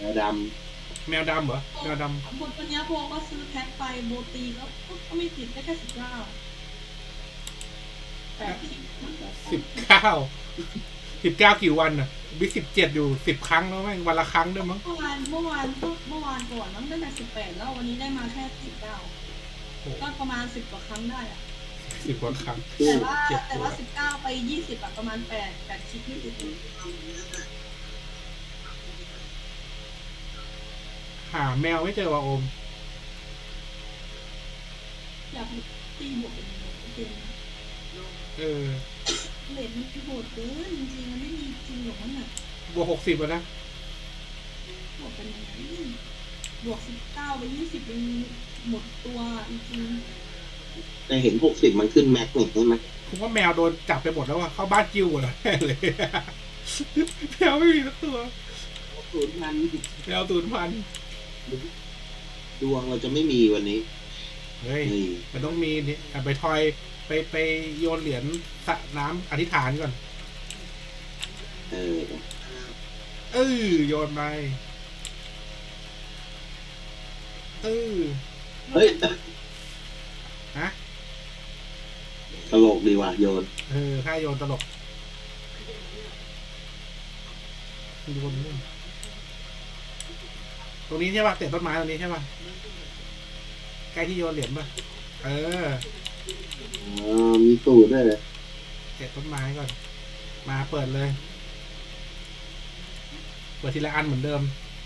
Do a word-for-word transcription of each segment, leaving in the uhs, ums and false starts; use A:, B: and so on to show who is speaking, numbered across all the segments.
A: วด
B: แมวดำเหรอแมวด
C: หมดวันนี้พวกก็ซื้อแพ็คไปโบตีก็ก็ไม่ติดได้แค่สิบเก้าแปดสิบ
B: ำสิบเก้าสิบเก้ากี่วันอ่ะบิ๊กสิบเจ็ดอยู่สิบครั้งแล้วแม่งวันละครั้งด้วยมั้ง
C: เมื่อวานเมื่อวานเมื่อวานก่อนมันได้มาสิบแปดแล้ววันนี้ได้มาแค่สิบเก้าก็ประมาณสิบกว่าครั้งได้อะ
B: สิบกว่าครั้ง
C: แต่ว่าแต่ว่าสิบเก้าไปยี่สิบอะประมาณแปดแปดคลิปไม่ติด
B: หาแมวไม่เจอว่ะโอม
C: อยากตีบวกเป็นเกม
B: เออ
C: เลนมันโหดเกินจริงๆมันไม่มีจริงหรอกมันอะ
B: บวกหกสิบแล้วนะ
C: บวกเป็นยังไงบวกสิบเก้าไปยี่สิบเป็นหมดตัวจริง
A: ๆแต่เห็นหกสิบมันขึ้นแม็กซ์ใช่ไหม
B: ผมว่าแมวโดนจับไปหมดแล้วว่ะเข้าบ้านกิ้วหมดแล้วแน่เลยแมวไม่มีสักตัว
A: ศูนย์พัน
B: แมวศูนย์พัน
A: ดวงเราจะไม่มีวันนี้
B: เฮ้ยมันต้องมีนี่ไปทอยไปไปโยนเหรียญสระน้ำอธิษฐานก่อน
A: เออ
B: เออโยนไปเออ
A: เฮ้ย
B: ฮะ
A: ตลกดีว่ะโยน
B: เออถ้าโยนตลกโยนนี่ตรงนี้ใช่ป่ะเตะต้นไม้ตรงนี้ใช่ป่ะใกล้ที่โยนเหรียญป่ะเออ
A: อ๋อมีตูดด้วยเลย
B: เตะต้นไม้ก่อนมาเปิดเลยเปิดทีละอันเหมือนเดิม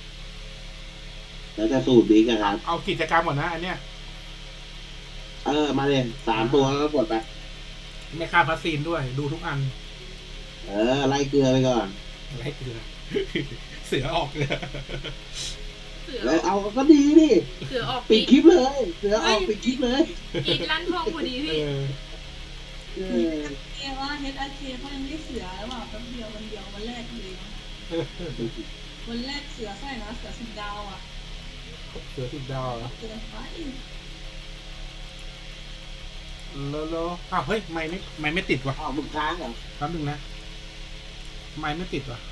A: แล้วจะสูตรดีกันครับ
B: เอากิจกรรมก่อนนะอันเนี้ย
A: เออมาเลยสามตัวแล้วกดไป
B: ไม่ค่าพัสซีนด้วยดูทุกอัน
A: เออไล่เกลือไปก่อน
B: ไล่เกลือเสือออกเลย
A: แล้วเอาก็ดีดิ
D: เสือออก
A: ปิดคลิปเลยเสือออกปิดคลิปเลย
D: อีกลั่นทองพอดีพี่
C: เออเอว่าเฮดอาเคเขายังได้เสือแล้วว่าแป๊บเดียววันเดียววันแรกเลยวันแรกเสือใส่นะเสือสิบดาวอ่ะ
B: เสือสิบดาวเหรอ
C: เกินไป
B: แล้วแล้วอ้าวเฮ้ยไม่ไม่ไม่ไม่ติดว่ะ
A: อ้าวมึงค้างเหรอ
B: แป๊บนึงนะไม่ไม่ติดว่ะ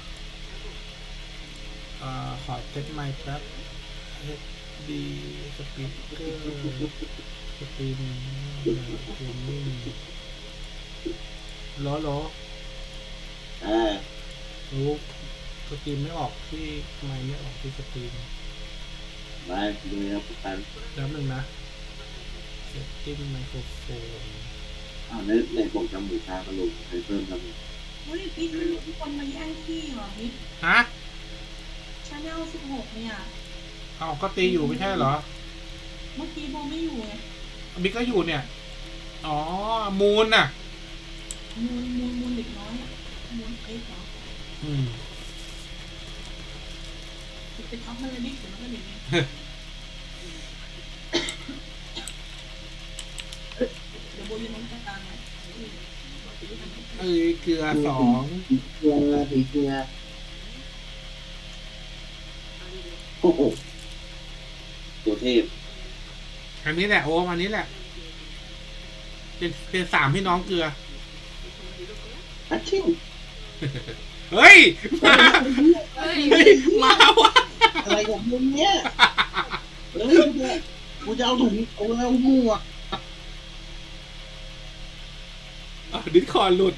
B: อ่าขอเซ็ตไมค์แป๊บดีสปีกเกอร์สตรีมเกมมิ่งล้อล้อ
A: เออ
B: รู้สตรีมไม่ออกที่ไม่ไม่ออกที่สตรีม
A: ไปดูนะปุ๊บกัน
B: แล้วหนึ่งนะเซตติ้งไมโครโฟน
A: อ้าวในในบอกจมูกชากระโหลกใครเพิ่มจมูก
C: เฮ้ยพี่ทุกคนมาแย่งที่เหรอพี่
B: ฮะ
C: ชาแนลสิบหกเนี่ย
B: อ้าวก็ตีอยู่ไม่ใช่เหรอ
C: เมื่อกี้โบไม่อยู่ไง
B: บิ๊กก็อยู่เนี่ยอ๋อมูนน่ะ
C: มูนมูนมูนเด็กน้อยอ่ะมูนเอ็กซ์เหรอ
B: อืม
C: ไปทับมันเลยบิ๊กเดี๋ยวมันก็หนีเดี๋ยวโบยืนตรงกลางไง
B: เอ้ยเกลือสอง
A: เกลือสีเกลือโอ้โหตัวเทพ
B: อันนี้แหละโอ้อันนี้แหละเป็นเป็นสามพี่น้องเกลือ
A: ฮัชชิว
B: เฮ้ยมาเฮ้ยมาวะ
A: อะไรของมึงเนี่ยเฮ้ยกูจะเอาถุงเอาเอาหมวก
B: อ่ะดิสคอร์ดหลุด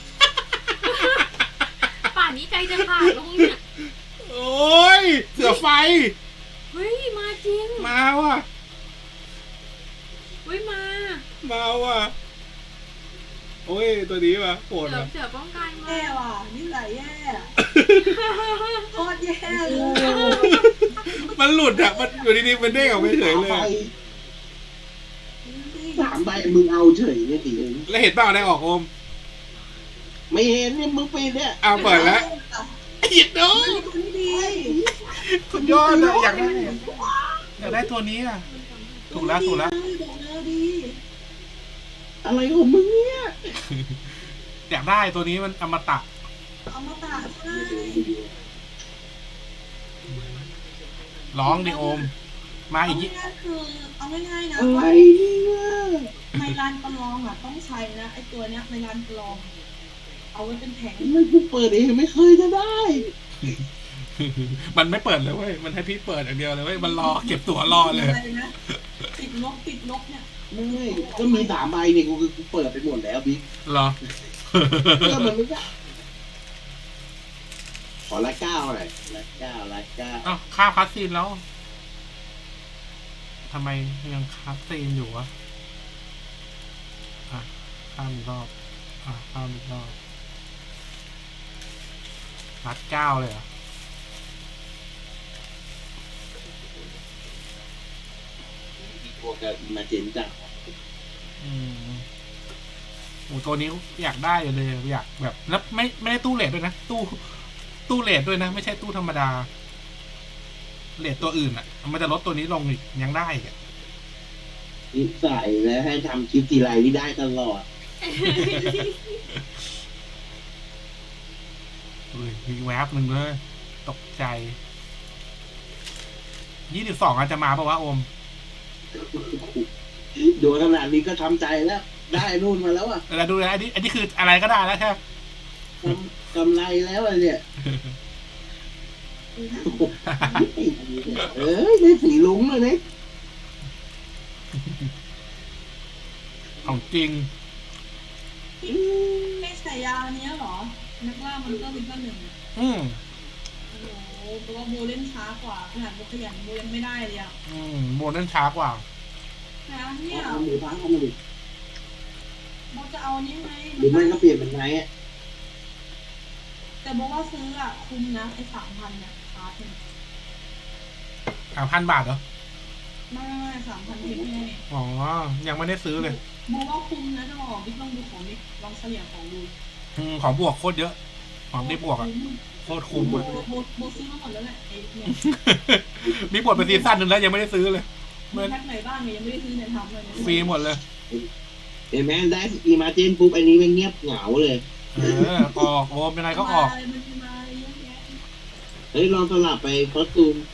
D: ป่านนี้ใจจะขาดลงเนี่ย
B: โอ้ยเสือไฟ
D: เฮ้ยมาจริง
B: มาว่ะ
D: เฮ้ยมา
B: มาว่ะโอ้ยตัวนี้ว่ะโหด
D: ว่ะ
B: เ
D: สือป้องกันมา
C: แย่ว่ะนี่ไหลแย่โคตรแย่เลย
B: มันหลุดอ่ะมันอยู่ดีๆมันเด้งออกไปเฉยเลย
A: สามใบมึงเอาเฉยเนี่ยดิ
B: แล้วเห็นเปล่าได้ออกโอม
A: ไม่เห็นเนี่ยมึงปีนเนี่ย
B: เอาเปิดแล้วหยิบดูสุดยอดเลยอยากได้อยากได้ตัวนี้อ่ะถูกแล้วถูกแล้ว
A: อะไรของมึงเนี่ย
B: อยากได้ตัวนี้มันอมตะ
C: อมตะใช่
B: ร้องดิโอมมาอีก
C: ทีคือเอาง่ายๆนะ
A: อะไรเนี่ย
C: ในร้านประลองอ่ะต้องใช้นะไอตัวเนี้ยในร้านประลองเอาไว้เป็นแผง
A: ไม่กูเปิดเองไม่เคยจะได้
B: มันไม่เปิดเลยเว้ยมันให้พี่เปิดอย่างเดียวเลยเว้ยมันรอเก็บตั๋วรอเลย
C: อะไรนะติดลบติดลบเนี่ย
A: ไม่ก็มีสามใบเนี่ยกูกูเปิดไปหมดแล้วบิ๊ก
B: เหรอ
A: ก็มันไม่ได้ขอละเก้าหน่อยละเก้าละเก้า
B: อ้าวข้ามคัสซีนแล้วทำไมยังคัสซีนอยู่วะอ่ะข้ามอีกรอบอ่ะข้ามอีกรอบนัดเก้าเลยเหรอ
A: อีตัวกับอีมาเจนจ้ะ
B: อืมโอ้ตัวนี้อยากได้เลยอยากแบบแล้วไม่ไม่ได้ตู้เลทด้วยนะตู้ตู้เลทด้วยนะไม่ใช่ตู้ธรรมดาเลทตัวอื่นอ่ะ มันจะลดตัวนี้ลงอีกยังได้อีกอะ
A: นิสัยแล้วให้ทำคลิปทีไรนี่ได้ตลอด
B: เฮ้ยมีแวบหนึ่งเลยตกใจยี่สิบสองอาจจะมาปะวะโอม
A: โดนขนาดนี้ก็ทำใจแล้ว ได้นู่นมาแล้วอ่ะ
B: เราดูนะอันนี้อันนี้คืออะไรก็ได้แล้วใช่ไหม
A: กำกำไรแล้วอะเนี่ยเอ้ยได้สีลุ้งเลยเนี่ย
B: ของจริง
C: ไม่ใส่ยาอันเนี้ยเหรอนักล่ามันก็เป็นก็หนึ่ง
B: อืม
C: โอ้โหเพราะว่าโบเล่นช้ากว่าขนาดโบขยันโบยังไม่ได้เลยอ่ะ
B: อืมโมเดิร์นช้ากว่า
C: นะเนี่ย
A: เอาหมูพังเอามาดิ
C: โบจะเอาอันนี้ไง
A: หรือไม่ก็เปลี่ยนเป็นไงอ่ะ
C: แต่โบว่าซื้ออ่ะคุ้มนะไอ้สามพันเนี่ยชาร์จเนี่ย
B: สามพันบาทเหรอ
C: ไม่ไม่ไม่สามพันเพชรไง
B: อ๋อ ยังไม่ได้ซื้อเลย
C: โบว่าคุ้มนะจะบอกบิ๊กลองดูของบิ๊กลองเฉลี่ยของดู
B: อืมของบวกโคตรเยอะ ของได้บวกอ่ะ โคตรคุ้ม
C: โบ
B: อ่ะ
C: โบโบซื้อมาหมดแล้วแหละไอ้เนี่ย
B: มีบวกเป็นซีซั่นหนึ่งแล้วยังไม่ได้ซื้อเลย
C: มีแพ็คไหนบ้างเนี่ยยังไม่ได้ซื้อเนี่ยทำเลยเนี่ย
B: ฟรีหมดเลย
A: เห็นไหมได้อีมาเจนปุ๊บอันนี้มันเงียบเหงาเลย
B: เออ ออกโอมยังไงก็ออก
C: มาเลยมันจะมาเยอะแยะ
A: เฮ้ยลองสลับไปคอสตูม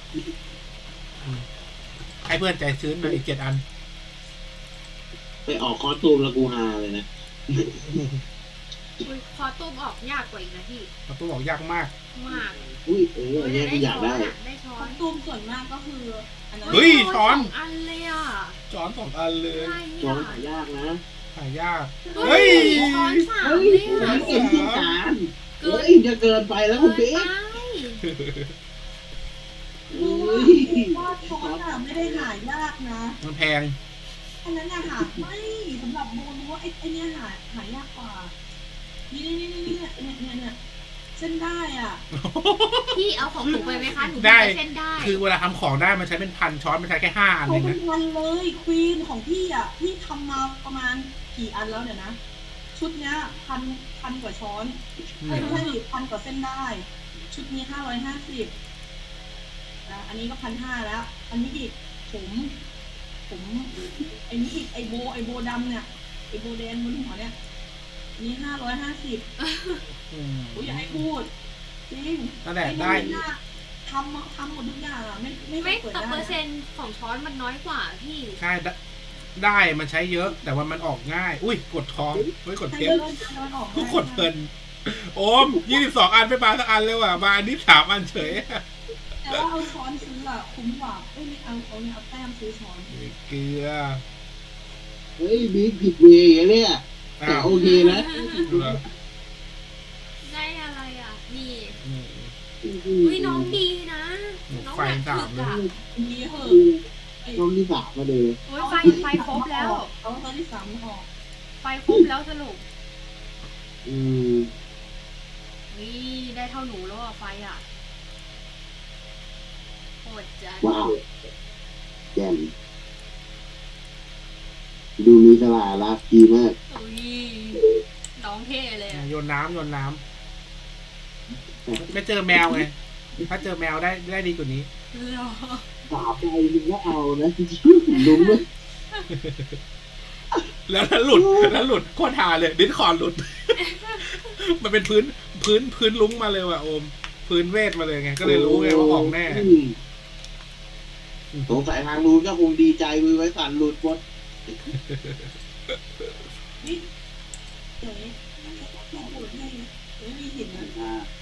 B: ให้เพื่อนใจชื้นมาอีกเจ็ดอัน
A: ไปออกคอสตูมแล้วกูฮาเลยนะ
D: อุ๊ยคอตูมออกยากกว่าอีกนะพี่
B: ประตูบอกยากมาก
D: มาก
A: อุ้ยเอออันเนี้ยกูอยากได้
D: อะได้ช้อ
C: คอน สตูมส่วนมากก็คืออันนั้น
B: เฮ้ยช้อน
D: สงอันเลยอ่ะ
B: จอนสองอันเลย
D: อะไร
A: จอ
D: เนี่
A: นหายากนะ
B: หายาก
D: เฮ้
B: เฮ้
D: ย
B: ย
D: ช้อนสาม
A: เฮ้ย
D: เลย
A: ผม
D: อ่ะ
A: ไม่เห็นที่การ
D: เกิ
A: เฮ้
D: น
A: ยจะเกินไปแล้วคุณเบ๊ก
D: ไป
A: เฮ้ย
C: ว่าช้อนอ่ะไม่ได้หายากนะ
B: มันแพง
C: อันนั้นอะหาไม่สำหรับโบรู้ว่าไอ้ไอ้เนี้ยหาหายากกว่า นี่นี่นี่นี่เนี่ยเนี่ยเนี่ยเนี่ยเส้นได้อ่ะ
D: พี่เอาของหนูไปไหมคะหนู
B: ได้
D: ไปเส้นได้
B: คือเวลาทำของได้มันใช้เป็นพันช้อนมันใช้แค่ห้าอัน
C: เขา
B: เอง
C: เป็
B: นะ
C: นพันเลยควีนของพี่อ่ะพี่ทำมาประมาณกี่อันแล้วเนี่ยนะ ชุดเนี้ยพันพันกว่าช้อน
B: อื
C: ไม่
B: ม
C: ใช่ดิพันกว่าเส้นได้ ชุดนี้ห้าร้อยห้าสิบอ่ะอันนี้ก็พันห้าแล้ว อันนี้อีกผมผมไอ้นี่อีกไอโบไอโบดำเนี่ยไอโบแดงบนหัวเนี่ยอันนี้ห้าร้อยห้าสิบ
B: อืม
C: โอ้ยอย่าให้พูดจริง
B: นั่นแหละ
C: อ้
B: ได้
C: นี่น่ะทำทำหมดทุกอย่างอ่ะไม่ไม่เค
D: ไม่
C: ยเปิด
D: แต่
C: ได้
D: เปอร์เซ็นต์ของช้อนมันน้อยกว่าพี่
B: ใช่ได้ได้มันใช้เยอะ แต่ว่ามันออกง่าย อุ้ยกดท้องเฮ้ยกด
C: ให้
B: เทป
C: เดินเดินออก
B: ทุกคนเพลินโอมยี่สิบสองอันไม่มาสักอันเลยว่ะมาอันนี้สามอันเฉย
C: แต่ว่าเอาช้อนซื้ออ่ะคุ้มกว่าเอ้ยไม่เอาเอาเนี่ยเอาแต้มซื้อช้อน
B: เกลือ
A: เฮ้ยบิ๊กผิดเวย์อย่างเนี่ยแต่
B: อ้าว
A: โอเคนะ
B: เหรอ
D: ได้อะไรอ่ะ นี่
B: อืม
D: อุ้ยน้องดีนะ น้อง
B: ไฟ
D: แบบ
B: สาม
D: ถึกอ่ะ
C: มีเหอะ
A: ช่องที่สามมาเลย
D: โอ้ยไฟไฟครบแล้ว
C: เอาตอนที่สามออก
D: ไฟครบแล้วสรุป
A: อืม
D: นี่ได้เท่าหนูแล้วอ่ะไฟอ่ะโหดจัด
A: ว้าวแจ่มดูมีสลารักดีมาก
D: อุ้ยน้องเท่เลยอ่ะ
B: โยนน้ำโยนน้ำไม่เจอแมวไงถ้าเจอแมวได้ได้ดีกว่านี้
D: หรอ
A: สามใจมึงก็เอานะจริงๆลุ้มเลย
B: แล้วถ้าหลุดแล้วหลุดโคตรหาเลยดิสคอร์ดหลุด มันเป็นพื้นพื้นพื้นลุ้งมาเลยว่ะโอม พื้นเวทมาเลยไงก็เลยรู้ไงว่าออกแน่
A: สงสัยทางนู้นก็คงดีใจมือไว้สั่นหลุดหมด
C: นี่เดี๋ยวนี้ไม่พูดให้เดี๋ยวไม่มีหินนะ
A: อ่า